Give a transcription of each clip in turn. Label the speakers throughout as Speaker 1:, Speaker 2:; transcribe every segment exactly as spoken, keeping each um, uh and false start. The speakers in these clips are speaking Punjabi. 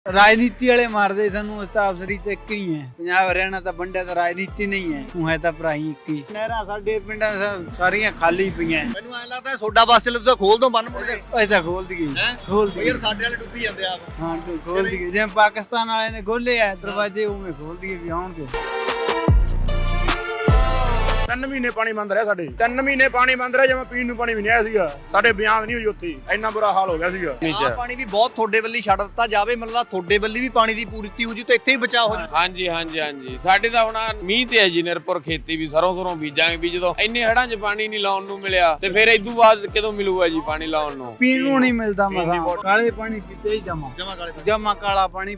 Speaker 1: ਰਾਜਨੀਤੀ ਵਾਲੇ ਮਾਰਦੇ ਸਾਨੂੰ ਤਾਂ ਅਫਸਰੀ ਤੇ ਇੱਕ ਹੀ ਹੈ। ਪੰਜਾਬ ਹਰਿਆਣਾ ਤਾਂ ਵੰਡਿਆ ਤਾਂ ਰਾਜਨੀਤੀ ਨਹੀਂ ਹੈ, ਉਹ ਹੈ ਤਾਂ ਭਰਾਈ ਇੱਕ ਹੀ। ਨਹਿਰਾਂ ਸਾਡੇ ਪਿੰਡਾਂ ਸਾਰੀਆਂ ਖਾਲੀ ਪਈਆਂ।
Speaker 2: ਮੈਨੂੰ ਐਂ ਲੱਗਦਾ ਸੋਡਾ ਬੱਸ ਚੱਲੇ ਤੁਸੀਂ ਖੋਲ ਦੋ ਬੰਨ ਮੁੜ ਕੇ।
Speaker 1: ਅਸੀਂ ਤਾਂ ਖੋਲ ਦਈਏ ਖੋਲ ਦਈਏ
Speaker 2: ਯਾਰ ਸਾਡੇ ਵਾਲੇ ਡੁੱਬੀ ਜਾਂਦੇ ਆ।
Speaker 1: ਹਾਂ ਖੋਲ ਦਈਏ, ਜਿਵੇਂ ਪਾਕਿਸਤਾਨ ਵਾਲਿਆਂ ਨੇ ਖੋਲੇ ਆ ਦਰਵਾਜ਼ੇ, ਉਵੇਂ ਖੋਲ ਦਈਏ ਵੀ ਆਉਣ ਦੇ।
Speaker 3: ਤਿੰਨ ਮਹੀਨੇ ਪਾਣੀ ਬੰਦ ਰਿਹਾ ਸਾਡੇ, ਤਿੰਨ ਮਹੀਨੇ ਪਾਣੀ ਬੰਦ ਰਿਹਾ, ਜਿਵੇਂ ਪੀਣ ਨੂੰ ਪਾਣੀ ਵੀ ਨਹੀਂ ਆਇਆ ਸੀਗਾ। ਸਾਡੇ ਬਿਆਨ ਨਹੀਂ ਹੋਈ ਉੱਥੇ, ਇੰਨਾ ਬੁਰਾ ਹਾਲ ਹੋ ਗਿਆ ਸੀਗਾ।
Speaker 2: ਆਹ ਪਾਣੀ ਵੀ ਬਹੁਤ ਤੁਹਾਡੇ ਵੱਲੀ ਛੱਡ ਦਿੱਤਾ ਜਾਵੇ, ਮਤਲਬ ਤੁਹਾਡੇ ਵੱਲੀ ਵੀ ਪਾਣੀ ਦੀ ਪੂਰਤੀ ਹੋ ਜੂ ਤੇ ਇੱਥੇ ਹੀ ਬਚਾਅ ਹੋ ਜੂ।
Speaker 4: ਹਾਂਜੀ ਹਾਂਜੀ ਹਾਂਜੀ ਸਾਡੇ ਤਾਂ ਹੁਣ ਮੀਂਹ ਤੇ ਹੈ ਜੀ ਨਿਰਭਰ ਖੇਤੀ ਵੀ, ਸਰੋਂ ਸਰੋਂ ਬੀਜਾਂਗੇ ਵੀ। ਜਦੋਂ ਇੰਨੇ ਹੜਾਂ 'ਚ ਪਾਣੀ ਨਹੀਂ ਲਾਉਣ ਨੂੰ ਮਿਲਿਆ ਤੇ ਫਿਰ ਇਦੋਂ ਬਾਅਦ ਕਦੋਂ ਮਿਲੂਗਾ ਜੀ ਪਾਣੀ ਲਾਉਣ ਨੂੰ?
Speaker 1: ਪੀਣ ਨੂੰ ਨਹੀਂ ਮਿਲਦਾ ਮਸਾਂ, ਕਾਲੇ ਪਾਣੀ ਪੀਤੇ ਹੀ ਜਮਾ
Speaker 2: ਜਮਾ ਕਾਲੇ
Speaker 1: ਜਮਾ ਕਾਲਾ ਪਾਣੀ।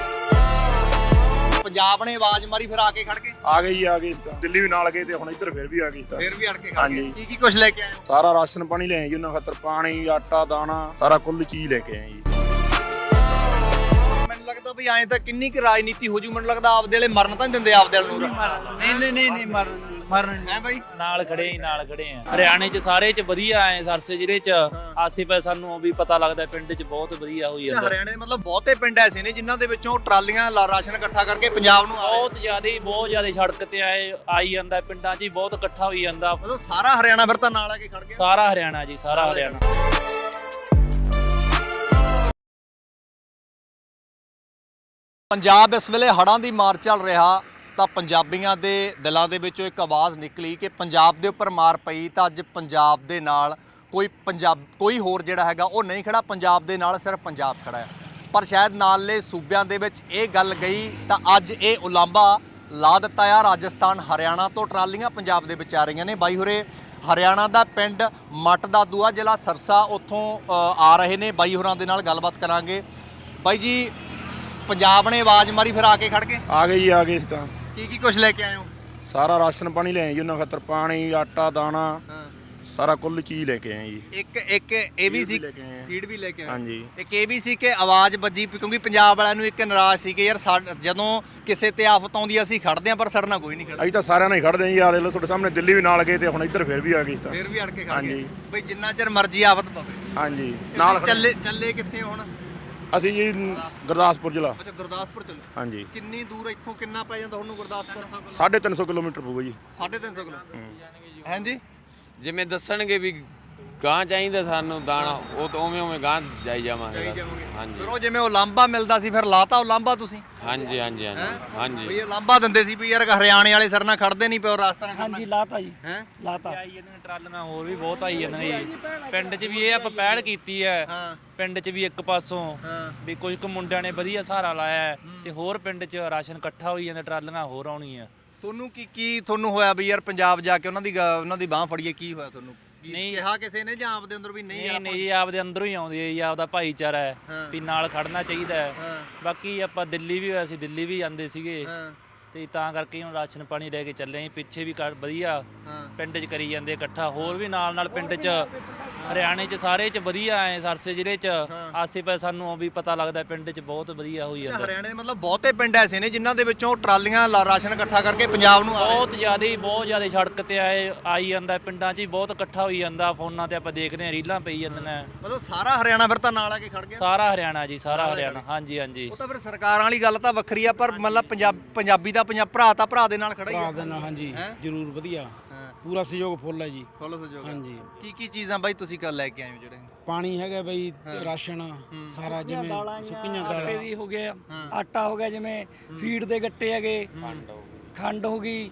Speaker 2: ਪੰਜਾਬ ਨੇ ਆਵਾਜ਼ ਮਾਰੀ ਫਿਰ ਆ ਕੇ ਖੜ ਕੇ
Speaker 3: ਆ ਗਈ ਆ ਗਈ, ਦਿੱਲੀ ਵੀ ਨਾਲ ਗਏ ਤੇ ਹੁਣ ਇੱਧਰ ਫਿਰ ਵੀ ਆ ਗਈ।
Speaker 2: ਫਿਰ ਵੀ ਅੜ ਕੇ ਖੜ
Speaker 3: ਹਾਂਜੀ।
Speaker 2: ਗਏ। ਕੀ ਕੀ ਕੁਝ ਲੈ ਕੇ ਆਏ ਹੋ?
Speaker 3: ਸਾਰਾ ਰਾਸ਼ਨ ਪਾਣੀ ਲੈ ਆਏ ਜੀ ਉਹਨਾਂ ਖਾਤਰ, ਪਾਣੀ ਆਟਾ ਦਾਣਾ ਸਾਰਾ ਕੁੱਲ ਚੀਜ਼ ਲੈ ਕੇ ਆਏ ਜੀ।
Speaker 2: ਮੈਨੂੰ ਲੱਗਦਾ ਵੀ ਐਂ ਤਾਂ ਕਿੰਨੀ ਕੁ ਰਾਜਨੀਤੀ ਹੋ ਜੂ, ਮੈਨੂੰ ਲੱਗਦਾ ਆਪਦੇ ਵਾਲੇ ਮਰਨ ਤਾਂ ਨਹੀਂ ਦਿੰਦੇ ਆਪਦੇ ਵਾਲ ਨੂੰ।
Speaker 1: ਨਹੀਂ ਨਹੀਂ ਨਹੀਂ ਨਹੀਂ ਮਰਨ ਮਰਨ
Speaker 2: ਹੈ ਬਾਈ
Speaker 5: ਨਾਲ ਖੜੇ ਹੀ ਨਾਲ ਖੜੇ ਆ। ਹਰਿਆਣੇ ਚ ਸਾਰੇ ਚ ਵਧੀਆ ਐ, ਸਰਸੇ ਜ਼ਿਲ੍ਹੇ ਚ ਆਸੇ ਪਾਸੇ ਸਾਨੂੰ ਵੀ ਪਤਾ ਲੱਗਦਾ ਪਿੰਡ ਚ ਬਹੁਤ ਵਧੀਆ ਹੋਈ ਜਾਂਦਾ।
Speaker 2: ਹਰਿਆਣੇ ਦੇ ਮਤਲਬ ਬਹੁਤੇ ਪਿੰਡ ਐਸੇ ਨੇ ਜਿਨ੍ਹਾਂ ਦੇ ਵਿੱਚੋਂ ਟਰਾਲੀਆਂ ਲਾ ਰਾਸ਼ਨ ਇਕੱਠਾ ਕਰਕੇ ਪੰਜਾਬ ਨੂੰ ਆ ਰਹੇ।
Speaker 5: ਬਹੁਤ ਜ਼ਿਆਦਾ ਬਹੁਤ ਜ਼ਿਆਦਾ ਸੜਕ ਤੇ ਆਏ ਆਈ ਜਾਂਦਾ, ਪਿੰਡਾਂ ਚ ਹੀ ਬਹੁਤ ਇਕੱਠਾ ਹੋਈ ਜਾਂਦਾ।
Speaker 2: ਮਤਲਬ ਸਾਰਾ ਹਰਿਆਣਾ ਫਿਰ ਤਾਂ ਨਾਲ ਆ ਕੇ ਖੜ ਗਿਆ।
Speaker 5: ਸਾਰਾ ਹਰਿਆਣਾ ਜੀ, ਸਾਰਾ ਹਰਿਆਣਾ।
Speaker 2: ਪੰਜਾਬ ਇਸ ਵੇਲੇ ਹੜ੍ਹਾਂ ਦੀ ਮਾਰ ਚੱਲ ਰਿਹਾ ਤਾਂ ਪੰਜਾਬੀਆਂ ਦੇ ਦਿਲਾਂ ਦੇ ਵਿੱਚੋਂ ਇੱਕ ਆਵਾਜ਼ ਨਿਕਲੀ ਕਿ ਪੰਜਾਬ ਦੇ ਉੱਪਰ ਮਾਰ ਪਈ ਤਾਂ ਅੱਜ ਪੰਜਾਬ ਦੇ ਨਾਲ ਕੋਈ ਪੰਜਾਬ ਕੋਈ ਹੋਰ ਜਿਹੜਾ ਹੈਗਾ ਉਹ ਨਹੀਂ ਖੜਾ, ਪੰਜਾਬ ਦੇ ਨਾਲ ਸਿਰਫ ਪੰਜਾਬ ਖੜਾ ਹੈ। ਪਰ ਸ਼ਾਇਦ ਨਾਲੇ ਸੂਬਿਆਂ ਦੇ ਵਿੱਚ ਇਹ ਗੱਲ ਗਈ ਤਾਂ ਅੱਜ ਇਹ ਉਲਾਂਭਾ ਲਾ ਦਿੱਤਾ ਆ। ਰਾਜਸਥਾਨ ਹਰਿਆਣਾ ਤੋਂ ਟਰਾਲੀਆਂ ਪੰਜਾਬ ਦੇ ਵਿੱਚ ਆ ਰਹੀਆਂ ਨੇ। ਬਾਈ ਹੋਰੇ ਹਰਿਆਣਾ ਦਾ ਪਿੰਡ ਮੱਟ ਦਾ ਦੂਆ, ਜ਼ਿਲ੍ਹਾ ਸਰਸਾ, ਉੱਥੋਂ ਆ ਰਹੇ ਨੇ। ਬਾਈ ਹੋਰਾਂ ਦੇ ਨਾਲ ਗੱਲਬਾਤ ਕਰਾਂਗੇ। ਬਾਈ ਜੀ, ਪੰਜਾਬ ਨੇ ਆਵਾਜ਼ ਮਾਰੀ ਫਿਰ ਆ ਕੇ ਖੜ ਕੇ
Speaker 3: ਆ ਗਈ ਆ ਗਈ ਤਾਂ
Speaker 2: ਕੀ ਕੀ ਕੁਝ ਲੈ ਕੇ ਆਏ ਹੋ?
Speaker 3: ਸਾਰਾ ਰਾਸ਼ਨ ਪਾਣੀ ਲੈ ਆਏ ਜੀ ਉਹਨਾਂ ਖਾਤਰ, ਪਾਣੀ ਆਟਾ ਦਾਣਾ
Speaker 2: ਹਾਂ,
Speaker 3: ਸਾਰਾ ਕੁੱਲ ਚੀਜ਼ ਲੈ ਕੇ ਆਏ ਜੀ।
Speaker 2: ਇੱਕ ਇੱਕ ਇਹ ਵੀ ਸੀ,
Speaker 3: ਲੈ ਕੇ ਆਏ ਆ।
Speaker 2: ਫੀਡ ਵੀ ਲੈ ਕੇ ਆਏ।
Speaker 3: ਹਾਂਜੀ।
Speaker 2: ਇੱਕ ਇਹ ਵੀ ਸੀ ਕਿ ਆਵਾਜ਼ ਵੱਜੀ, ਕਿਉਂਕਿ ਪੰਜਾਬ ਵਾਲਿਆਂ ਨੂੰ ਇੱਕ ਨਾਰਾਜ਼ ਸੀ ਕਿ ਯਾਰ ਸਾ- ਜਦੋਂ ਕਿਸੇ ਤੇ ਆਫਤ ਆਉਂਦੀ ਅਸੀਂ ਖੜਦੇ ਆਂ, ਪਰ ਸਾਡੇ ਨਾਲ ਕੋਈ ਨਹੀਂ ਖੜਦਾ।
Speaker 3: ਅਸੀਂ ਤਾਂ ਸਾਰਿਆਂ ਨਾਲ ਹੀ ਖੜਦੇ ਜੀ। ਆ ਦੇਖ ਲਓ ਤੁਹਾਡੇ ਸਾਹਮਣੇ ਦਿੱਲੀ ਵੀ ਨਾਲ ਗਏ ਤੇ ਹੁਣ ਇੱਧਰ ਫਿਰ ਵੀ ਆ ਗਈ ਤਾਂ।
Speaker 2: ਫਿਰ ਵੀ ਅੜ ਕੇ ਖੜ ਗਏ
Speaker 3: ਹਾਂਜੀ।
Speaker 2: ਬਈ ਜਿੰਨਾ ਚਿਰ ਮਰਜ਼ੀ ਆਫਤ ਪਵੇ।
Speaker 3: ਹਾਂਜੀ ਨਾਲ ਖੜੇ।
Speaker 2: ਚੱਲੇ ਚੱਲੇ ਕਿੱਥੇ ਹੁਣ?
Speaker 3: ਅਸੀਂ ਜੀ ਗੁਰਦਾਸਪੁਰ ਜ਼ਿਲ੍ਹਾ।
Speaker 2: ਅੱਛਾ, ਗੁਰਦਾਸਪੁਰ ਚੱਲੇ।
Speaker 3: ਹਾਂਜੀ।
Speaker 2: ਕਿੰਨੀ ਦੂਰ ਇੱਥੋਂ ਕਿੰਨਾ ਪੈ ਜਾਂਦਾ ਤੁਹਾਨੂੰ ਗੁਰਦਾਸਪੁਰ?
Speaker 3: ਸਾਢੇ ਤਿੰਨ ਸੌ ਕਿਲੋਮੀਟਰ ਪਊਗਾ ਜੀ।
Speaker 2: ਸਾਢੇ ਤਿੰਨ ਸੌ ਕਿਲੋ। ਹਾਂਜੀ।
Speaker 4: ਜਿਵੇਂ ਦੱਸਣਗੇ ਵੀ ਗਾਂ ਚਾਹੀਦਾ ਸਾਨੂੰ ਦਾਣਾ, ਉਹ ਤਾਂ ਉਵੇਂ ਉਵੇਂ ਗਾਂ ਜਾਈ ਜਾਵਾਂਗੇ।
Speaker 2: ਜਾਈ ਜਾਵਾਂਗੇ।
Speaker 4: ਹਾਂਜੀ
Speaker 2: ਫਿਰ ਉਹ ਜਿਵੇਂ ਉਹ ਲਾਂਬਾ ਮਿਲਦਾ ਸੀ, ਫਿਰ ਲਾਤਾ ਉਹ ਲਾਂਬਾ ਤੁਸੀਂ?
Speaker 4: ਹਾਂਜੀ ਹਾਂਜੀ ਹਾਂਜੀ ਹਾਂਜੀ।
Speaker 2: ਬਈ ਇਹ ਲਾਂਬਾ ਦਿੰਦੇ ਸੀ ਵੀ ਯਾਰ ਹਰਿਆਣੇ ਵਾਲੇ ਸਰ ਨਾਲ ਖੜਦੇ ਨਹੀਂ ਪਿਓ ਰਾਸਤਾ ਨਾਲ।
Speaker 5: ਹਾਂਜੀ ਲਾਤਾ ਜੀ,
Speaker 2: ਹੈ
Speaker 5: ਲਾਤਾ। ਆਈ ਜਾਂਦੀਆਂ ਟਰਾਲੀਆਂ ਹੋਰ ਵੀ ਬਹੁਤ ਆਈ ਜਾਂਦੀਆਂ ਜੀ। ਪਿੰਡ 'ਚ ਵੀ ਇਹ ਆਪਾਂ ਪਹਿਲ ਕੀਤੀ ਹੈ।
Speaker 2: ਹਾਂ
Speaker 5: ਪਿੰਡ 'ਚ ਵੀ ਇੱਕ ਪਾਸੋਂ
Speaker 2: ਹਾਂ।
Speaker 5: ਵੀ ਕੁਝ ਕੁ ਮੁੰਡਿਆਂ ਨੇ ਵਧੀਆ ਸਹਾਰਾ ਲਾਇਆ ਹੈ ਤੇ ਹੋਰ ਪਿੰਡ 'ਚ ਰਾਸ਼ਨ ਇਕੱਠਾ ਹੋਈ ਜਾਂਦਾ, ਟਰਾਲੀਆਂ ਹੋਰ ਆਉਣੀਆਂ।
Speaker 2: ਤੁਹਾਨੂੰ ਕੀ ਕੀ ਤੁਹਾਨੂੰ ਹੋਇਆ ਵੀ ਯਾਰ ਪੰਜਾਬ ਜਾ ਕੇ ਉਹਨਾਂ ਦੀ ਗ- ਉਹਨਾਂ ਦੀ ਬਾਹ ਫੜੀਏ? ਕੀ ਹੋਇਆ ਤੁਹਾਨੂੰ? ਕੀ
Speaker 5: ਨਹੀਂ।
Speaker 2: ਕਿਹਾ ਕਿਸੇ ਨੇ ਜਾਂ ਆਪਦੇ ਅੰਦਰ ਵੀ ਨਹੀਂ
Speaker 5: ਨਹੀਂ
Speaker 2: ਯਾਰ
Speaker 5: ਨਹੀਂ ਜੀ, ਆਪਦੇ ਅੰਦਰੋਂ ਹੀ ਆਉਂਦੀ ਹੈ ਜੀ, ਆਪਦਾ ਭਾਈਚਾਰਾ ਹੈ
Speaker 2: ਹਾਂ।
Speaker 5: ਵੀ ਨਾਲ ਖੜਨਾ ਚਾਹੀਦਾ ਹੈ।
Speaker 2: ਹਾਂ
Speaker 5: ਬਾਕੀ ਆਪਾਂ ਦਿੱਲੀ ਵੀ ਹੋਇਆ ਸੀ, ਦਿੱਲੀ ਵੀ ਜਾਂਦੇ ਸੀਗੇ
Speaker 2: ਹਾਂ
Speaker 5: ਤੇ ਤਾਂ ਕਰਕੇ ਹੁਣ ਰਾਸ਼ਨ ਪਾਣੀ ਲੈ ਕੇ ਚੱਲੇ ਆਂ। ਪਿੱਛੇ ਵੀ ਕਰ ਵਧੀਆ
Speaker 2: ਹਾਂ।
Speaker 5: ਪਿੰਡ 'ਚ ਕਰੀ ਜਾਂਦੇ ਇਕੱਠਾ, ਹੋਰ ਵੀ ਨਾਲ ਨਾਲ ਪਿੰਡ 'ਚ ਹਰਿਆਣੇ 'ਚ ਸਾਰੇ 'ਚ ਵਧੀਆ ਐ। ਸਰਸੇ ਜ਼ਿਲ੍ਹੇ 'ਚ ਆਸੇ ਪਾਸੇ ਸਾਨੂੰ ਵੀ ਪਤਾ ਲੱਗਦਾ ਪਿੰਡ 'ਚ ਬਹੁਤ ਵਧੀਆ ਹੋਈ ਜਾਂਦਾ।
Speaker 2: ਹਰਿਆਣੇ ਦੇ ਮਤਲਬ ਬਹੁਤੇ ਪਿੰਡ ਐਸੇ ਨੇ ਜਿਨ੍ਹਾਂ ਦੇ ਵਿੱਚੋਂ ਟਰਾਲੀਆਂ ਲਾ ਰਾਸ਼ਨ ਇਕੱਠਾ ਕਰਕੇ ਪੰਜਾਬ ਨੂੰ ਆ ਰਹੇ।
Speaker 5: ਬਹੁਤ ਜ਼ਿਆਦਾ ਬਹੁਤ ਜ਼ਿਆਦਾ ਸੜਕ ਤੇ ਆਏ ਆਈ ਜਾਂਦਾ, ਪਿੰਡਾਂ 'ਚ ਹੀ ਬਹੁਤ ਇਕੱਠਾ ਹੋਈ ਜਾਂਦਾ। ਫੋਨਾਂ ਤੇ ਆਪਾਂ ਦੇਖਦੇ ਹਾਂ, ਰੀਲਾਂ ਪਈ ਜਾਂਦੀਆਂ।
Speaker 2: ਮਤਲਬ ਸਾਰਾ ਹਰਿਆਣਾ ਫਿਰ ਤਾਂ ਨਾਲ ਆ ਕੇ ਖੜ ਗਿਆ।
Speaker 5: ਸਾਰਾ ਹਰਿਆਣਾ ਜੀ, ਸਾਰਾ ਹਰਿਆਣਾ। ਹਾਂਜੀ ਹਾਂਜੀ।
Speaker 2: ਉਹ ਤਾਂ ਫਿਰ ਸਰਕਾਰਾਂ ਵਾਲੀ ਗੱਲ ਤਾਂ ਵੱਖਰੀ ਆ, ਪਰ ਮਤਲਬ ਪੰਜਾਬ ਪੰਜਾਬੀ ਦਾ ਪੰਜਾਬ ਭਰਾ ਤਾਂ ਭਰਾ ਦੇ ਨਾਲ ਖੜਾ ਹੀ
Speaker 1: ਭਰਾ
Speaker 2: ਆ।
Speaker 1: ਦੇ ਨਾਲ ਹਾਂਜੀ
Speaker 2: ਹੈਂ?
Speaker 1: ਜ਼ਰੂਰ ਵਧੀਆ,
Speaker 2: ਹਾਂ,
Speaker 1: ਪੂਰਾ ਸਹਿਯੋਗ ਫੁੱਲ ਹੈ ਜੀ।
Speaker 2: ਫੁੱਲ ਸਹਿਯੋਗ।
Speaker 1: ਹਾਂਜੀ।
Speaker 2: ਕੀ ਕੀ ਚੀਜ਼ਾਂ ਬਾਈ ਤੁਸੀਂ ਕੱਲ ਲੈ ਕੇ ਆਏ ਹੋ ਜਿਹੜੇ?
Speaker 1: ਪਾਣੀ ਹੈਗਾ ਬਈ, ਰਾਸ਼ਨ ਸਾਰਾ, ਜਿਵੇਂ ਸੁੱਕੀਆਂ
Speaker 6: ਆਟੇ
Speaker 1: ਦਾਲਾਂ।
Speaker 6: ਦੀ ਹੋ ਗਿਆ, ਆਟਾ ਹੋ ਗਿਆ, ਜਿਵੇਂ ਫੀਡ ਦੇ ਗੱਟੇ ਹੈਗੇ, ਖੰਡ ਹੋ ਗਈ,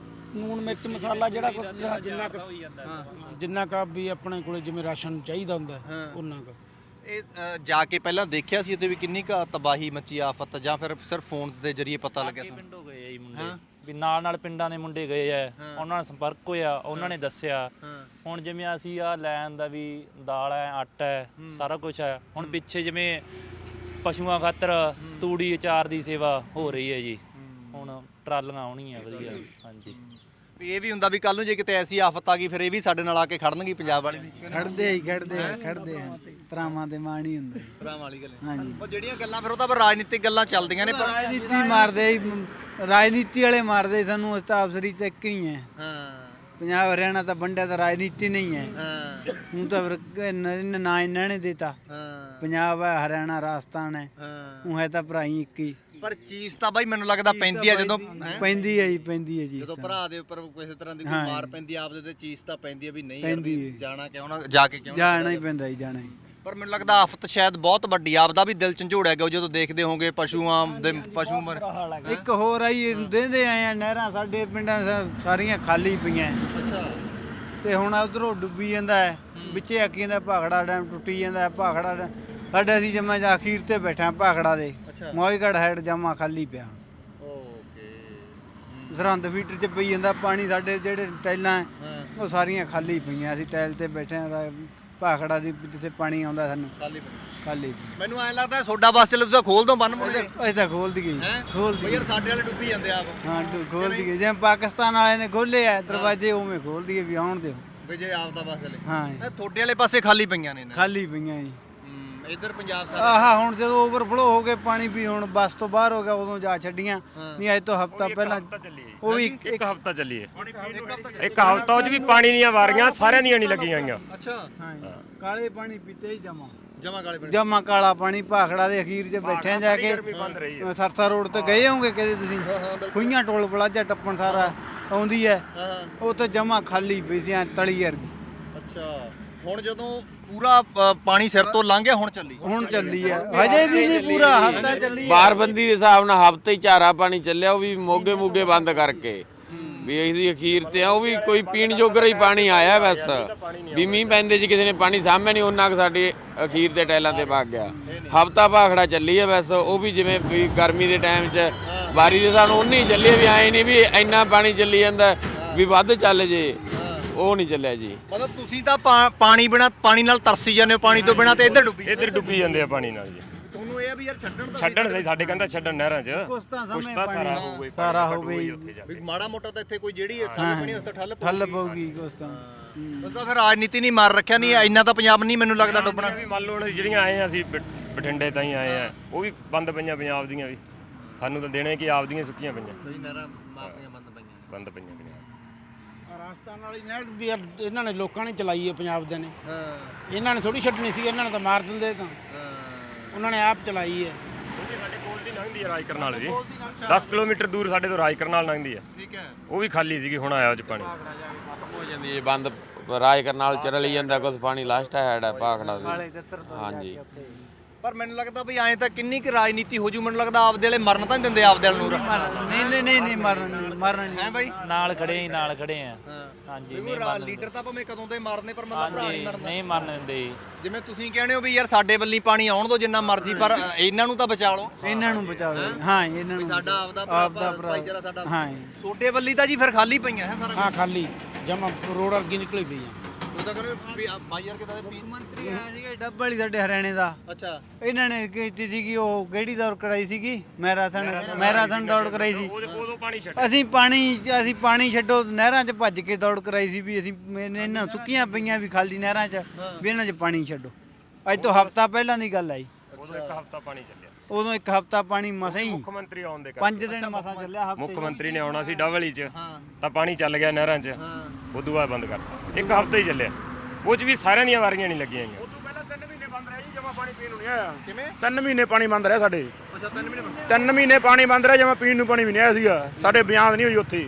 Speaker 6: ਨੂਣ ਮਿਰਚ ਮਸਾਲਾ, ਜਿਹੜਾ ਕੁਝ
Speaker 1: ਜਿੰਨਾ ਕੁ ਜਿੰਨਾ ਕੁ ਵੀ ਆਪਣੇ ਕੋਲੇ ਜਿਵੇਂ ਰਾਸ਼ਨ ਚਾਹੀਦਾ ਹੁੰਦਾ ਉਹਨਾਂ ਕੁ।
Speaker 2: ਇਹ ਅ, ਜਾ ਕੇ ਪਹਿਲਾਂ ਦੇਖਿਆ ਸੀ ਉੱਥੇ ਵੀ ਕਿੰਨੀ ਕੁ ਤਬਾਹੀ ਮੱਚੀ, ਆਫਤ, ਜਾਂ ਫਿਰ ਸਿਰਫ ਫੋਨ ਦੇ ਜ਼ਰੀਏ ਪਤਾ ਲੱਗਿਆ ਸੀ?
Speaker 5: ਪਿੰਡੋਂ ਗਏ ਆ ਜੀ ਮੁੰਡੇ, ਵੀ ਨਾਲ ਨਾਲ ਪਿੰਡਾਂ ਦੇ ਮੁੰਡੇ ਗਏ ਆ, ਉਹਨਾਂ ਨਾਲ ਸੰਪਰਕ ਹੋਇਆ, ਉਹਨਾਂ ਨੇ ਦੱਸਿਆ। ਹੁਣ ਜਿਵੇਂ ਅਸੀਂ ਆ ਲੈਣ ਦਾ ਵੀ ਦਾਲ ਹੈ, ਆਟਾ ਹੈ, ਸਾਰਾ ਕੁਝ ਹੈ। ਹੁਣ ਪਿੱਛੇ ਜਿਵੇਂ ਪਸ਼ੂਆਂ ਖਾਤਰ ਤੂੜੀ ਅਚਾਰ ਦੀ ਸੇਵਾ ਹੋ ਰਹੀ ਹੈ ਜੀ। ਹੁਣ ਟਰਾਲੀਆਂ ਆਉਣੀਆਂ ਵਧੀਆ। ਹਾਂਜੀ।
Speaker 2: ਵੀ ਇਹ ਵੀ ਹੁੰਦਾ ਵੀ ਕੱਲ ਨੂੰ ਜੇ ਕਿਤੇ ਐਸੀ ਆਫਤ ਆ ਗਈ ਫਿਰ ਇਹ ਵੀ ਸਾਡੇ ਨਾਲ ਆ ਕੇ ਖੜਨਗੇ ਪੰਜਾਬ ਵਾਲੇ ਵੀ।
Speaker 1: ਖੜਦੇ ਹੀ ਖੜਦੇ ਆ ਖੜਦੇ ਆ, ਤਰਾਵਾਂ ਦੇ ਮਾਣ ਹੀ ਹੁੰਦਾ।
Speaker 2: ਭਰਾਵਾਂ ਵਾਲੀ ਗੱਲ।
Speaker 1: ਹਾਂਜੀ।
Speaker 2: ਉਹ ਜਿਹੜੀਆਂ ਗੱਲਾਂ ਫਿਰ ਉਹ ਤਾਂ ਫਿਰ ਰਾਜਨੀਤਿਕ ਗੱਲਾਂ ਚੱਲਦੀਆਂ ਨੇ, ਪਰ
Speaker 1: ਰਾਜਨੀਤੀ ਮਾਰਦੇ ਹੀ, ਰਾਜਨੀਤੀ ਵਾਲੇ ਮਾਰਦੇ ਸਾਨੂੰ, ਅਸੀਂ ਤਾਂ ਅਫਸਰੀ ਤੇ ਇੱਕ ਹੀ ਹੈ।
Speaker 2: ਹਾਂ
Speaker 1: ਪੰਜਾਬ ਹਰਿਆਣਾ ਤਾਂ ਵੰਡਿਆ ਤਾਂ ਰਾਜਨੀਤੀ ਨਹੀਂ ਹੈ,
Speaker 2: ਹਾਂ
Speaker 1: ਹੁਣ ਤਾਂ ਫਿਰ ਨਾ ਇਹਨਾਂ ਨੇ ਦੇਤਾ।
Speaker 2: ਹਾਂ
Speaker 1: ਪੰਜਾਬ ਹੈ, ਹਰਿਆਣਾ, ਰਾਜਸਥਾਨ ਹੈ,
Speaker 2: ਹਾਂ
Speaker 1: ਉਹ ਹੈ ਤਾਂ ਭਰਾਈ ਇੱਕ ਹੀ।
Speaker 2: ਪਰ ਚੀਜ਼ ਤਾਂ ਬਾਈ ਮੈਨੂੰ ਲੱਗਦਾ ਪੈਂਦੀ ਆ ਜਦੋਂ
Speaker 1: ਪੈਂਦੀ ਹੈ ਜੀ, ਪੈਂਦੀ ਹੈ ਜੀ।
Speaker 2: ਜਦੋਂ ਭਰਾ ਦੇ ਉੱਪਰ ਕਿਸੇ ਤਰ੍ਹਾਂ ਦੀ ਕੋਈ
Speaker 1: ਹਾਂ।
Speaker 2: ਮਾਰ ਪੈਂਦੀ ਆ ਆਪਦੇ ਤੇ ਚੀਜ਼ ਤਾਂ ਪੈਂਦੀ ਆ ਵੀ ਨਹੀਂ ਯਾਰ
Speaker 1: ਪੈਂਦੀ
Speaker 2: ਵੀ
Speaker 1: ਹੈ।
Speaker 2: ਜਾਣਾ ਕਿਉਂ ਨਾ ਜਾ ਕੇ ਕਿਉਂ ਨਾ
Speaker 1: ਜਾਣਾ ਹੀ ਪੈਂਦਾ ਜੀ, ਜਾਣਾ ਹੀ।
Speaker 2: ਪਰ ਮੈਨੂੰ ਲੱਗਦਾ ਆਫਤ ਸ਼ਾਇਦ ਬਹੁਤ ਵੱਡੀ ਆ, ਆਪਦਾ ਵੀ ਦਿਲ ਝੰਜੋੜਿਆ ਗਿਆ ਜਦੋਂ ਦੇਖਦੇ ਹੋਗੇ ਪਸ਼ੂਆਂ ਦੇ ਪਸ਼ੂ ਮਰ
Speaker 1: ਇੱਕ ਹੋਰ ਆਈ ਦੇਂਦੇ ਆਏ ਆ, ਨਹਿਰਾਂ ਸਾਡੇ ਪਿੰਡਾਂ ਸਾ- ਸਾਰੀਆਂ ਖਾਲੀ ਪਈਆਂ
Speaker 2: ਅੱਛਾ
Speaker 1: ਤੇ ਹੁਣ ਉਧਰੋਂ ਡੁੱਬੀ ਜਾਂਦਾ ਹੈ, ਵਿੱਚੇ ਆਕੀ ਜਾਂਦਾ ਭਾਖੜਾ ਡੈਮ ਟੁੱਟੀ ਜਾਂਦਾ ਹੈ, ਭਾਖੜਾ ਡੈਮ ਸਾਡੇ ਅਸੀਂ ਜਮਾ ਜਾ ਅਖੀਰ ਤੇ ਬੈਠਾ ਭਾਖੜਾ ਦੇ,
Speaker 2: ਅੱਛਾ
Speaker 1: ਮੋਇਗੜ ਹੈਡ ਜਮਾ ਖਾਲੀ ਪਿਆ।
Speaker 2: ਓਕੇ
Speaker 1: ਸਰਹੰਦ ਫੀਟਰ ਚ ਪਈ ਜਾਂਦਾ ਪਾਣੀ, ਸਾਡੇ ਜਿਹੜੇ ਟੈਲਾਂ ਹੈ,
Speaker 2: ਹਾਂ
Speaker 1: ਉਹ ਸਾਰੀਆਂ ਖਾਲੀ ਪਈਆਂ। ਅਸੀਂ ਟੈਲ ਤੇ ਬੈਠੇ ਹਾਂ ਭਾਖੜਾ ਦੀ, ਜਿੱਥੇ ਪਾਣੀ ਆਉਂਦਾ ਸਾਨੂੰ
Speaker 2: ਖਾਲੀ ਪਈ।
Speaker 1: ਖਾਲੀ
Speaker 2: ਮੈਨੂੰ ਐਂ ਲੱਗਦਾ ਸੋਡਾ ਬੱਸ ਚੱਲੇ ਤੁਸੀਂ ਖੋਲ ਦੋ ਬੰਨ ਮੁੜੇ
Speaker 1: ਅਸੀਂ ਤਾਂ ਖੋਲ ਦਈਏ
Speaker 2: ਹੈਂ?
Speaker 1: ਖੋਲ
Speaker 2: ਬਈ
Speaker 1: ਦਈਏ
Speaker 2: ਯਾਰ ਸਾਡੇ ਵਾਲੇ ਡੁੱਬੀ ਜਾਂਦੇ ਆਪ
Speaker 1: ਹਾਂ ਡੁ- ਖੋਲ ਦਈਏ, ਜਿਵੇਂ ਪਾਕਿਸਤਾਨ ਵਾਲੇ ਨੇ ਖੋਲੇ ਆ ਦਰਵਾਜ਼ੇ, ਉਵੇਂ ਖੋਲ ਦਈਏ ਵੀ ਆਉਣ ਦਿਓ।
Speaker 2: ਵੀ ਜੇ ਆਪ ਦਾ ਬੱਸ ਚੱਲੇ
Speaker 1: ਹਾਂ
Speaker 2: ਇਹ ਤੁਹਾਡੇ ਵਾਲੇ ਪਾਸੇ ਖਾਲੀ ਪਈਆਂ ਨੇ ਨਾ
Speaker 1: ਖਾਲੀ ਪਈਆਂ ਜੀ।
Speaker 2: ਹੂੰ ਇੱਧਰ ਪੰਜਾਬ ਸਾਰਾ
Speaker 1: ਆਹਾ ਹੁਣ ਜਦੋਂ ਓਵਰਫਲੋ ਹੋ ਗਏ ਪਾਣੀ ਵੀ, ਹੁਣ ਬੱਸ ਤੋਂ ਬਾਹਰ ਹੋ ਗਿਆ, ਉਦੋਂ ਜਾ ਛੱਡੀਆਂ। ਨਹੀਂ ਅੱਜ ਤੋਂ ਹਫਤਾ ਪਹਿਲਾਂ ਉਹ ਵੀ
Speaker 7: ਇੱਕ ਹਫਤਾ ਚੱਲੀਏ ਇੱਕ ਹਫਤਾ ਉਹ 'ਚ ਵੀ ਪਾਣੀ ਦੀਆਂ ਵਾਰੀਆਂ ਸਾਰਿਆਂ ਦੀਆਂ ਨਹੀਂ ਲੱਗੀਆਂ ਹੋਈਆਂ।
Speaker 2: ਅੱਛਾ
Speaker 1: ਹਾਂ ਕਾਲੇ ਪਾਣੀ ਪੀਤੇ ਹੀ ਜਮਾ
Speaker 2: ਜਮਾ ਕਾਲੇ ਪਿੰਡ
Speaker 1: ਜਮਾ ਕਾਲਾ ਪਾਣੀ ਭਾਖੜਾ ਦੇ ਅਖੀਰ 'ਚ ਬੈਠੇ ਆ ਜਾ ਕੇ।
Speaker 7: ਬੰਦ ਰਹੀ ਹੈ।
Speaker 1: ਸਰਸਾ ਰੋਡ ਤੇ ਗਏ ਹੋਗੇ ਕਦੇ ਤੁਸੀਂ? ਖੁਈਆਂ ਟੋਲ ਪਲਾਜ਼ਾ ਟੱਪਣ ਸਾਰਾ ਆਉਂਦੀ ਹੈ,
Speaker 2: ਹਾਂ
Speaker 1: ਉਹ ਤਾਂ ਜਮਾ ਖਾਲੀ ਪਈ ਸੀ ਐਂ ਤਲੀ ਵਰਗੀ।
Speaker 2: ਅੱਛਾ ਹੁਣ ਜਦੋਂ ਪੂਰਾ ਅ, ਪਾਣੀ ਸਿਰ ਤੋਂ ਲੰਘ ਗਿਆ ਹੁਣ ਚੱਲੀ
Speaker 1: ਹੁਣ ਚੱਲੀ ਹੈ, ਹਜੇ ਵੀ ਨਹੀਂ ਪੂਰਾ ਹਫਤਾ ਚੱਲੀ ਹੈ।
Speaker 4: ਬਾਰਬੰਦੀ ਦੇ ਹਿਸਾਬ ਨਾਲ ਹਫ਼ਤੇ ਹੀ ਝਾਰਾ ਪਾਣੀ ਚੱਲਿਆ, ਉਹ ਵੀ ਮੋਗੇ ਮੋਗੇ ਬੰਦ ਕਰਕੇ ਵੀ ਇਹਦੀ ਅਖੀਰ ਤੇ ਆ, ਉਹ ਵੀ ਕੋਈ ਪੀਣ ਜੋਗਰਾ ਹੀ ਪਾਣੀ ਆਇਆ ਬਸ। ਵੀ ਮੀਂਹ ਪੈਂਦੇ ਜੀ ਕਿਸੇ ਨੇ ਪਾਣੀ ਸਾਹਮਣੇ ਨਹੀਂ, ਉਹਨਾਂ ਕੁ ਸਾਡੇ ਅਖੀਰ ਤੇ ਟੈਲਾਂ ਤੇ ਵਗ ਗਿਆ। ਹਫ਼ਤਾ ਭਾਖੜਾ ਚੱਲੀ ਹੈ ਬਸ, ਉਹ ਵੀ ਜਿਵੇਂ ਵੀ ਗਰਮੀ ਦੇ ਟਾਈਮ 'ਚ ਬਾਰੀ ਦੇ ਹਿਸਾਬ ਨਾਲ ਉਨੀ ਚੱਲੀ ਹੈ, ਵੀ ਐਂ ਨਹੀਂ ਵੀ ਇੰਨਾ ਪਾਣੀ ਚੱਲੀ ਜਾਂਦਾ ਵੀ ਵੱਧ ਚੱਲ ਜੇ, ਉਹ ਨਹੀਂ ਚੱਲਿਆ ਜੀ।
Speaker 2: ਮਤਲਬ ਤੁਸੀਂ ਤਾਂ ਪਾ- ਪਾਣੀ ਬਿਨਾ ਪਾਣੀ ਨਾਲ ਤਰਸੀ ਜਾਂਦੇ ਹੋ, ਪਾਣੀ ਤੋਂ ਬਿਨਾ ਤੇ ਇੱਧਰ ਡੁੱਬੀ
Speaker 7: ਇੱਧਰ ਡੁੱਬੀ ਜਾਂਦੇ ਆ ਪਾਣੀ ਨਾਲ ਜੀ।
Speaker 2: ਤੁਹਾਨੂੰ ਇਹ ਆ ਵੀ ਯਾਰ ਛੱਡਣ ਦਾ
Speaker 7: ਛੱਡਣ ਸਹੀ ਸਾਡੇ ਕਹਿੰਦਾ ਛੱਡਣ ਨਹਿਰਾਂ 'ਚ
Speaker 1: ਕੁਛ ਤਾਂ
Speaker 7: ਕੁਛ
Speaker 1: ਸਮੇਂ
Speaker 7: ਤਾਂ ਸਾਰਾ
Speaker 1: ਪਾਣੀ
Speaker 7: ਹੋਊਗਾ ਹੀ,
Speaker 1: ਸਾਰਾ
Speaker 7: ਪਾਣੀ
Speaker 1: ਹੋਊਗਾ ਹੀ।
Speaker 7: ਉੱਥੇ ਜਾ
Speaker 2: ਵੀ
Speaker 7: ਕੇ।
Speaker 2: ਮਾੜਾ ਮੋਟਾ ਤਾਂ ਇੱਥੇ ਕੋਈ ਜਿਹੜੀ ਠੱਲ ਬਣੀ ਉਸ ਤੋਂ ਠੱਲ ਪਊਗੀ।
Speaker 1: ਠੱਲ ਪਊਗੀ ਕੁਛ ਤਾਂ।
Speaker 2: ਉਸ ਤਾਂ ਫਿਰ ਰਾਜਨੀਤੀ ਨਹੀਂ ਮਾਰ ਰੱਖਿਆ, ਨਹੀਂ ਇੰਨਾ ਤਾਂ ਪੰਜਾਬ ਨਹੀਂ ਮੈਨੂੰ ਲੱਗਦਾ ਡੁੱਬਣਾ।
Speaker 7: ਵੀ ਮੰਨ ਲਓ ਹੁਣ ਜਿਹੜੀਆਂ ਆਏ ਆ ਅਸੀਂ ਬ- ਬਠਿੰਡੇ ਤਾਂ ਹੀ ਆਏ ਆ, ਉਹ ਵੀ ਬੰਦ ਪਈਆਂ ਪੰਜਾਬ ਦੀਆਂ ਵੀ। ਸਾਨੂੰ ਤਾਂ ਦੇਣੇ ਕਿ ਆਪਦੀਆਂ ਸੁੱਕੀਆਂ ਪਈਆਂ
Speaker 2: ਕਈ ਨਹਿਰਾਂ ਮਾਰਦੀਆਂ ਬੰਦ ਪਈਆਂ
Speaker 7: ਬੰਦ ਪਈਆਂ ਪੰਜਾਬ
Speaker 8: ਰਾਜਸਥਾਨ ਵਾਲੀ ਨਹਿਰ ਵੀ ਯਾਰ ਇਹਨਾਂ ਨੇ ਲੋਕਾਂ ਨੇ ਚਲਾਈ ਹੈ, ਪੰਜਾਬ ਦੇ ਨੇ।
Speaker 2: ਹਾਂ
Speaker 8: ਇਹਨਾਂ ਨੇ ਥੋੜੀ ਛੱਡਣੀ ਸੀ, ਇਹਨਾਂ ਨੇ ਤਾਂ ਮਾਰ ਦਿੰਦੇ ਤਾਂ।
Speaker 2: ਹਾਂ
Speaker 8: ਉਹਨਾਂ ਨੇ ਆਪ ਚਲਾਈ ਹੈ।
Speaker 7: ਉਹ ਵੀ ਸਾਡੇ ਕੋਲ ਦੀ ਲੰਘਦੀ ਆ ਰਾਜ ਕਰਨਾਲ ਜੀ, ਦਸ ਕਿਲੋਮੀਟਰ ਦੂਰ ਸਾਡੇ ਤੋਂ ਰਾਜ ਕਰਨਾਲ ਲੰਘਦੀ ਆ।
Speaker 2: ਠੀਕ ਹੈ
Speaker 7: ਉਹ ਵੀ ਖਾਲੀ ਸੀਗੀ, ਹੁਣ ਆਇਆ ਉਹ 'ਚ ਪਾਣੀ।
Speaker 4: ਹੋ ਜਾਂਦੀ ਹੈ ਬੰਦ, ਰਾਜ ਕਰਨਾਲ ਚ ਰਲੀ ਜਾਂਦਾ ਕੁਝ ਪਾਣੀ, ਲਾਸਟ ਹੈਡ ਹੈ ਭਾਖੜਾ
Speaker 1: ਕਾਲੇ
Speaker 4: ਦੀ।
Speaker 1: ਤਿੱਤਰ ਤੋਂ ਜਾ
Speaker 4: ਹਾਂਜੀ।
Speaker 1: ਕੇ ਉੱਥੇ
Speaker 2: ਪਰ ਮੈਨੂੰ ਲੱਗਦਾ ਵੀ ਐਂ ਤਾਂ ਕਿੰਨੀ ਕੁ ਰਾਜਨੀਤੀ ਹੋ ਜੂ, ਮੈਨੂੰ ਲੱਗਦਾ ਆਪਦੇ ਵਾਲੇ ਮਰਨ ਤਾਂ ਨਹੀਂ ਦਿੰਦੇ ਆਪਦੇ ਵਾਲ ਨੂੰ।
Speaker 1: ਮਰਨ- ਨਹੀਂ ਨਹੀਂ ਨਹੀਂ ਨਹੀਂ ਮਰਨ ਨਹੀਂ ਮਰਨ ਨਹੀਂ।
Speaker 2: ਹੈ ਬਾਈ
Speaker 5: ਨਾਲ ਖੜੇ ਹੀ ਨਾਲ ਖੜੇ ਆ।
Speaker 2: ਹਾਂ
Speaker 5: ਹਾਂਜੀ
Speaker 2: ਵੀ
Speaker 5: ਨਹੀਂ
Speaker 2: ਉਹ ਰਾ-
Speaker 5: ਮਰਨ
Speaker 2: ਲੀਡਰ ਤਾਂ ਭਾਵੇਂ ਕਦੋਂ ਦੇ ਮਾਰਨੇ, ਪਰ ਮਤਲਬ ਭਰਾ
Speaker 5: ਹਾਂਜੀ
Speaker 2: ਨਹੀਂ ਮਰਨਾ।
Speaker 5: ਨਹੀਂ ਮਰਨ ਦਿੰਦੇ ਜੀ।
Speaker 2: ਜਿਵੇਂ ਤੁਸੀਂ ਕਹਿੰਦੇ ਹੋ ਵੀ ਯਾਰ ਸਾਡੇ ਵੱਲੀ ਪਾਣੀ ਆਉਣ ਦੋ ਜਿੰਨਾ ਮਰਜ਼ੀ, ਪਰ ਇਹਨਾਂ ਨੂੰ ਤਾਂ ਬਚਾ ਲਓ।
Speaker 1: ਇਹਨਾਂ ਨੂੰ ਬਚਾ ਲਓ। ਹਾਂ ਇਹਨਾਂ ਨੂੰ
Speaker 2: ਸਾਡਾ
Speaker 1: ਬਚਾਓ।
Speaker 2: ਆਪਦਾ ਭਰਾ-
Speaker 1: ਆਪਦਾ ਭਰਾ
Speaker 2: ਭਾਈਚਾਰਾ ਸਾਡਾ।
Speaker 1: ਹਾਂ
Speaker 2: ਛੋਟੇ ਵੱਲੀ ਤਾਂ ਜੀ ਫਿਰ ਖਾਲੀ ਪਈਆਂ ਹੈ ਸਾਰਾ
Speaker 8: ਹਾਂ ਖਾਲੀ ਜਮਾ ਰੋਡ ਵਰਗੀ ਨਿਕਲੀ ਪਈ ਆ।
Speaker 2: ਉਹ ਤਾਂ ਕਹਿੰਦੇ ਵੀ ਆ ਬਾਈ ਯਾਰ ਕਿਦਾਂ ਦੇ
Speaker 1: ਮੰਤਰੀ ਆਇਆ ਸੀਗਾ ਡੱਬ ਵਾਲੀ ਸਾਡੇ ਹਰਿਆਣੇ ਦਾ,
Speaker 2: ਅੱਛਾ
Speaker 1: ਇਹਨਾਂ ਨੇ ਕੀਤੀ ਸੀਗੀ ਉਹ ਕਿਹੜੀ ਦੌੜ ਕਰਾਈ ਸੀਗੀ, ਮੈਰਾਥਨ ਮੈਰਾਥਨ ਦੌੜ ਕਰਾਈ ਸੀ।
Speaker 7: ਉਦੋਂ ਪਾਣੀ ਛੱਡ
Speaker 1: ਅਸੀਂ ਪਾਣੀ ਅਸੀਂ ਪਾਣੀ ਛੱਡੋ ਨਹਿਰਾਂ 'ਚ ਭੱਜ ਕੇ ਦੌੜ ਕਰਾਈ ਸੀ ਵੀ ਅਸੀਂ ਇਹਨਾਂ ਨੂੰ ਸੁੱਕੀਆਂ ਪਈਆਂ ਵੀ ਖਾਲੀ ਨਹਿਰਾਂ 'ਚ ਵੀ ਇਹਨਾਂ 'ਚ ਪਾਣੀ ਛੱਡੋ। ਅੱਜ ਤੋਂ ਹਫ਼ਤਾ ਪਹਿਲਾਂ ਦੀ ਗੱਲ ਆਈ,
Speaker 7: ਉਦੋਂ ਇੱਕ ਹਫਤਾ ਪਾਣੀ ਚੱਲਿਆ।
Speaker 1: ਉਦੋਂ ਇੱਕ ਹਫ਼ਤਾ ਪਾਣੀ ਮਸਾਂ ਹੀ
Speaker 7: ਮੁੱਖ ਮੰਤਰੀ ਆਉਣ ਦੇ
Speaker 1: ਪੰਜ
Speaker 7: ਕਰਕੇ
Speaker 1: ਦਿਨ ਮਸਾਂ ਚੱਲਿਆ ਹਫ਼ਤੇ
Speaker 7: ਮੁੱਖ ਮੰਤਰੀ ਨੇ ਆਉਣਾ ਸੀ ਡਬਲੀ 'ਚ,
Speaker 2: ਹਾਂ
Speaker 7: ਤਾਂ ਪਾਣੀ ਚੱਲ ਗਿਆ ਨਹਿਰਾਂ 'ਚ,
Speaker 2: ਹਾਂ
Speaker 7: ਉਦੋਂ ਬਾਅਦ ਬੰਦ ਕਰਤਾ। ਇੱਕ ਹਫਤਾ ਹੀ ਚੱਲਿਆ, ਉਹ 'ਚ ਵੀ ਸਾਰਿਆਂ ਦੀਆਂ ਵਾਰੀਆਂ ਨਹੀਂ ਲੱਗੀਆਂ ਹੋਈਆਂ।
Speaker 3: ਉਦੋਂ ਪਹਿਲਾਂ ਤਿੰਨ ਮਹੀਨੇ ਬੰਦ ਰਿਹਾ ਜੀ, ਜਮਾ ਪਾਣੀ ਪੀਣ ਨੂੰ ਨਹੀਂ ਆਇਆ।
Speaker 2: ਕਿਵੇਂ
Speaker 3: ਤਿੰਨ ਮਹੀਨੇ ਪਾਣੀ ਬੰਦ ਰਿਹਾ ਸਾਡੇ।
Speaker 2: ਅੱਛਾ ਤਿੰਨ ਮਹੀਨੇ ਬੰਦ।
Speaker 3: ਤਿੰਨ ਮਹੀਨੇ ਪਾਣੀ ਬੰਦ ਰਿਹਾ, ਜਮਾ ਪੀਣ ਨੂੰ ਪਾਣੀ ਵੀ ਨਹੀਂ ਆਇਆ ਸੀਗਾ। ਸਾਡੇ ਬਿਆਨ ਨਹੀਂ ਹੋਈ ਉੱਥੇ,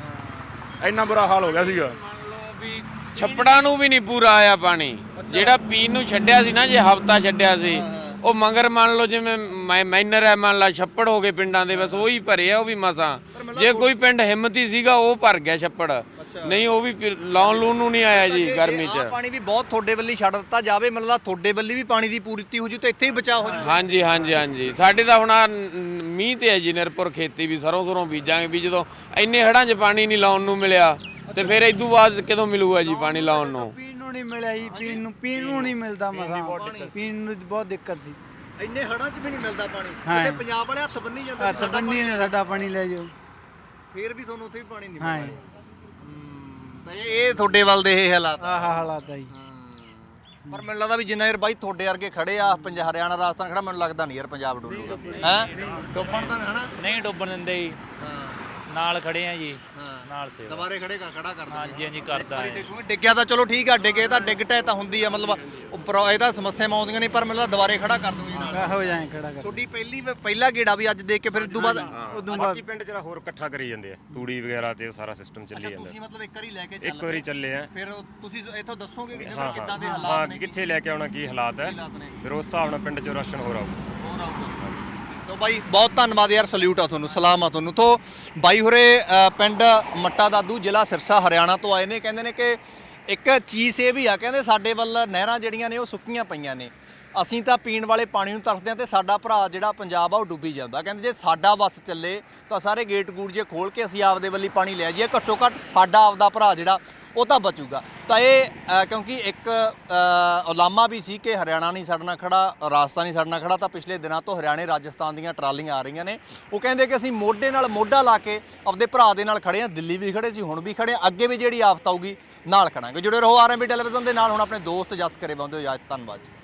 Speaker 3: ਇੰਨਾ ਬੁਰਾ ਹਾਲ ਹੋ ਗਿਆ ਸੀਗਾ।
Speaker 4: ਮੰਨ ਲਓ ਵੀ ਛੱਪੜਾਂ ਨੂੰ ਵੀ ਨਹੀਂ ਪੂਰਾ ਆਇਆ ਪਾਣੀ, ਜਿਹੜਾ ਪੀਣ ਨੂੰ ਛੱਡਿਆ ਸੀ ਨਾ, ਜੇ ਹਫ਼ਤਾ ਛੱਡਿਆ ਸੀ ਉਹ ਮਗਰ ਮੰਨ ਲਓ ਜਿਵੇਂ ਮੈ- ਮੈਨਰ ਹੈ, ਮੰਨ ਲਾ ਛੱਪੜ ਹੋ ਗਏ ਪਿੰਡਾਂ ਦੇ, ਬਸ ਉਹੀ ਭਰੇ ਆ, ਉਹ ਵੀ ਮਸਾਂ। ਜੇ ਕੋਈ ਪਿੰਡ ਹਿੰਮਤੀ ਸੀਗਾ ਉਹ ਭਰ ਗਿਆ ਛੱਪੜ, ਨਹੀਂ ਉਹ ਵੀ ਫਿਰ ਲਾਉਣ ਲੂਣ ਨੂੰ ਨਹੀਂ ਆਇਆ ਜੀ ਗਰਮੀ
Speaker 2: ਆਹ
Speaker 4: 'ਚ।
Speaker 2: ਪਾਣੀ ਵੀ ਬਹੁਤ ਤੁਹਾਡੇ ਵੱਲੀ ਛੱਡ ਦਿੱਤਾ ਜਾਵੇ, ਮਤਲਬ ਤੁਹਾਡੇ ਵੱਲੀ ਵੀ ਪਾਣੀ ਦੀ ਪੂਰਤੀ ਹੋ ਜੂ ਤੇ ਇੱਥੇ ਹੀ ਬਚਾਅ ਹੋ ਜੂ।
Speaker 4: ਹਾਂਜੀ ਹਾਂਜੀ ਹਾਂਜੀ ਸਾਡੇ ਤਾਂ ਹੁਣ ਆਹ ਨ- ਮੀਂਹ ਤੇ ਹੈ ਜੀ ਨਿਰਭਰ ਖੇਤੀ, ਵੀ ਸਰੋਂ ਸਰੋਂ ਬੀਜਾਂਗੇ, ਵੀ ਜਦੋਂ ਇੰਨੇ ਹੜਾਂ 'ਚ ਪਾਣੀ ਨਹੀਂ ਲਾਉਣ ਨੂੰ ਮਿਲਿਆ ਤੇ ਫਿਰ ਇਦੋਂ ਬਾਅਦ ਕਿਦੋਂ ਮਿਲੂਗਾ ਜੀ ਪਾਣੀ ਲਾਉਣ ਨੂੰ।
Speaker 1: ਪੀਣ ਨੂੰ ਨਹੀਂ ਮਿਲਿਆ ਜੀ, ਪੀਣ ਨੂੰ ਪੀਣ ਨੂੰ ਨਹੀਂ ਮਿਲਦਾ ਮਸਾਂ, ਪੀਣ ਨੂੰ ਬਹੁਤ ਦਿੱਕਤ ਸੀ।
Speaker 2: ਇੰਨੇ ਹੜਾਂ 'ਚ ਵੀ ਨਹੀਂ ਮਿਲਦਾ ਪਾਣੀ,
Speaker 1: ਹਾਂ।
Speaker 2: ਤੇ ਪੰਜਾਬ ਵਾਲੇ ਹੱਥ ਬੰਨੀ ਜਾਂਦੇ
Speaker 1: ਹੱਥ ਬੰਨੀ ਨੇ ਸਾਡਾ ਪਾਣੀ ਲੈ ਜਾਓ।
Speaker 2: ਫੇਰ ਵੀ ਤੁਹਾਨੂੰ ਉੱਥੇ ਵੀ ਪਾਣੀ ਨਹੀਂ
Speaker 1: ਹਾਂ
Speaker 2: ਮਿਲਦਾ। ਹੂੰ, ਤਾਂ ਇਹ ਇਹ ਤੁਹਾਡੇ ਵੱਲ ਦੇ ਇਹ ਹਾਲਾਤ ਆ।
Speaker 1: ਆਹ ਹਾਲਾਤ ਆ ਜੀ।
Speaker 2: ਪਰ ਮੈਨੂੰ ਲੱਗਦਾ ਵੀ ਜਿੰਨਾ ਯਾਰ ਬਾਈ ਤੁਹਾਡੇ ਵਰਗੇ ਖੜੇ ਆ, ਪੰਜਾਬ ਹਰਿਆਣਾ ਰਾਜਸਥਾਨ ਖੜਾ, ਮੈਨੂੰ ਲੱਗਦਾ ਨਹੀਂ ਯਾਰ ਪੰਜਾਬ ਡੁੱਲੂਗਾ। ਹੈ ਡੁੱਬਣ ਤਾਂ ਹਨਾ।
Speaker 5: ਨਹੀਂ ਡੁੱਬਣ ਦਿੰਦੇ ਜੀ।
Speaker 2: ਹਾਂ
Speaker 5: ਨਾਲ ਖੜੇ ਆ ਜੀ
Speaker 2: ਹਾਂ
Speaker 5: ਨਾਲ ਸੇਵਾ
Speaker 2: ਦੁਬਾਰੇ ਖੜੇ ਕਰ ਖੜਾ ਕਰ ਦਿੰਦੇ
Speaker 5: ਹਾਂਜੀ ਹਾਂਜੀ ਕਰਦਾ ਹੈ
Speaker 2: ਡਿੱਗੂਗੇ ਡਿੱਗਿਆ ਤਾਂ ਚਲੋ ਠੀਕ ਆ ਡਿੱਗੇ ਤਾਂ ਡਿੱਗ ਟੈ ਤਾਂ ਹੁੰਦੀ ਆ ਮਤਲਬ ਉੱਪਰੋਂ ਇਹ ਤਾਂ ਸਮੱਸਿਆਵਾਂ ਆਉਂਦੀਆਂ ਨਹੀਂ ਪਰ ਮੈਨੂੰ ਦੁਬਾਰੇ ਖੜਾ ਕਰ ਦੂੰਗੀ ਨਾਲ
Speaker 1: ਹੋ ਜਾਏ ਖੜਾ ਕਰ
Speaker 2: ਤੁਹਾਡੀ ਪਹਿਲੀ ਪਹਿਲਾ ਗੇੜਾ ਵੀ ਅੱਜ ਦੇਖ ਕੇ ਫਿਰ ਇਦੋਂ ਬਾਅਦ
Speaker 1: ਉਦੋਂ ਬਾਅਦ
Speaker 7: ਬਾਕੀ ਪਿੰਡ ਚ ਹੋਰ ਇਕੱਠਾ ਕਰੀ ਜਾਂਦੇ ਆ ਤੂੜੀ ਵਗੈਰਾ ਤੇ ਉਹ ਸਾਰਾ ਸਿਸਟਮ ਚੱਲੀ ਜਾਂਦਾ
Speaker 2: ਤੁਸੀਂ ਮਤਲਬ ਇੱਕ ਵਾਰੀ ਲੈ ਕੇ
Speaker 7: ਇੱਕ
Speaker 2: ਚੱਲ
Speaker 7: ਵਾਰੀ ਚੱਲੇ ਆ
Speaker 2: ਫਿਰ ਉਹ ਤੁਸੀਂ ਇੱਥੋਂ ਦੱਸੋਗੇ ਵੀ
Speaker 7: ਹਾਂ
Speaker 2: ਕਿੱਦਾਂ ਦੇ
Speaker 7: ਹਾਂ
Speaker 2: ਹਾਲਾਤ
Speaker 7: ਹਾਂ
Speaker 2: ਨੇ
Speaker 7: ਕਿੱਥੇ ਲੈ ਕੇ ਆਉਣਾ ਕੀ ਹਾਲਾਤ ਹੈ
Speaker 2: ਹਾਲਾਤ ਨੇ
Speaker 7: ਫਿਰ ਉਸ ਹਿਸਾਬ ਨਾਲ ਪਿੰਡ ਚੋਂ ਰਾਸ਼ਨ ਹੋਰ ਆਊ
Speaker 2: ਹੋਰ ਆਊਗਾ ਤੋ ਬਾਈ ਬਹੁਤ ਧੰਨਵਾਦ ਯਾਰ ਸਲੂਟ ਆ ਤੁਹਾਨੂੰ ਸਲਾਮ ਆ ਤੁਹਾਨੂੰ ਤੋ ਬਾਈ ਹੋਰੇ ਅ, ਪਿੰਡ ਮੱਟਾ ਦਾਦੂ ਜ਼ਿਲ੍ਹਾ ਸਿਰਸਾ ਹਰਿਆਣਾ ਤੋਂ ਆਏ ਨੇ ਕਹਿੰਦੇ ਨੇ ਕਿ ਇੱਕ ਚੀਜ਼ ਇਹ ਵੀ ਆ ਕਹਿੰਦੇ ਸਾਡੇ ਵੱਲ ਨਹਿਰਾਂ ਜਿਹੜੀਆਂ ਨੇ ਉਹ ਸੁੱਕੀਆਂ ਪਈਆਂ ਨੇ ਅਸੀਂ ਤਾਂ ਪੀਣ ਵਾਲੇ ਪਾਣੀ ਨੂੰ ਤਰਸਦੇ ਹਾਂ ਤੇ ਸਾਡਾ ਭਰਾ ਜਿਹੜਾ ਪੰਜਾਬ ਆ ਉਹ ਡੁੱਬੀ ਜਾਂਦਾ ਕਹਿੰਦੇ ਜੇ ਸਾਡਾ ਵੱਸ ਚੱਲੇ ਤਾਂ ਸਾਰੇ ਗੇਟ ਗੂਟ ਜੇ ਖੋਲ ਕੇ ਅਸੀਂ ਆਪਦੇ ਵੱਲੀ ਪਾਣੀ ਲੈ ਜਾਈਏ ਘੱਟੋ ਘੱਟ ਸਾਡਾ ਆਪਦਾ ਭਰਾ ਜਿਹੜਾ ਉਹ ਤਾਂ ਬਚੂਗਾ ਤਾਂ ਇਹ ਅ, ਕਿਉਂਕਿ ਇੱਕ ਅ, ਉਲਾਮਾ ਵੀ ਸੀ ਕਿ ਹਰਿਆਣਾ ਨਹੀਂ ਸਾਡੇ ਨਾਲ ਖੜਾ ਰਾਜਸਥਾਨ ਨਹੀਂ ਸਾਡੇ ਨਾਲ ਖੜਾ ਤਾਂ ਪਿਛਲੇ ਦਿਨਾਂ ਤੋਂ ਹਰਿਆਣੇ ਰਾਜਸਥਾਨ ਦੀਆਂ ਟਰਾਲੀਆਂ ਆ ਰਹੀਆਂ ਨੇ ਉਹ ਕਹਿੰਦੇ ਕਿ ਅਸੀਂ ਮੋਢੇ ਨਾਲ ਮੋਢਾ ਲਾ ਕੇ ਆਪਦੇ ਭਰਾ ਦੇ ਨਾਲ ਖੜੇ ਹਾਂ ਦਿੱਲੀ ਵੀ ਖੜੇ ਸੀ ਹੁਣ ਵੀ ਖੜੇ ਹਾਂ ਅੱਗੇ ਵੀ ਜਿਹੜੀ ਆਫਤ ਆਊਗੀ ਨਾਲ ਖੜਾਂਗੇ ਜੁੜੇ ਰਹੋ ਆਰਐਮਬੀ ਟੈਲੀਵਿਜ਼ਨ ਦੇ ਨਾਲ ਹੁਣ ਆਪਣੇ ਦੋਸਤ ਜਸ ਕਰੇ ਬੰਦੇ ਹੋ ਇਜਾਜ਼ਤ ਧੰਨਵਾਦ ਜੀ।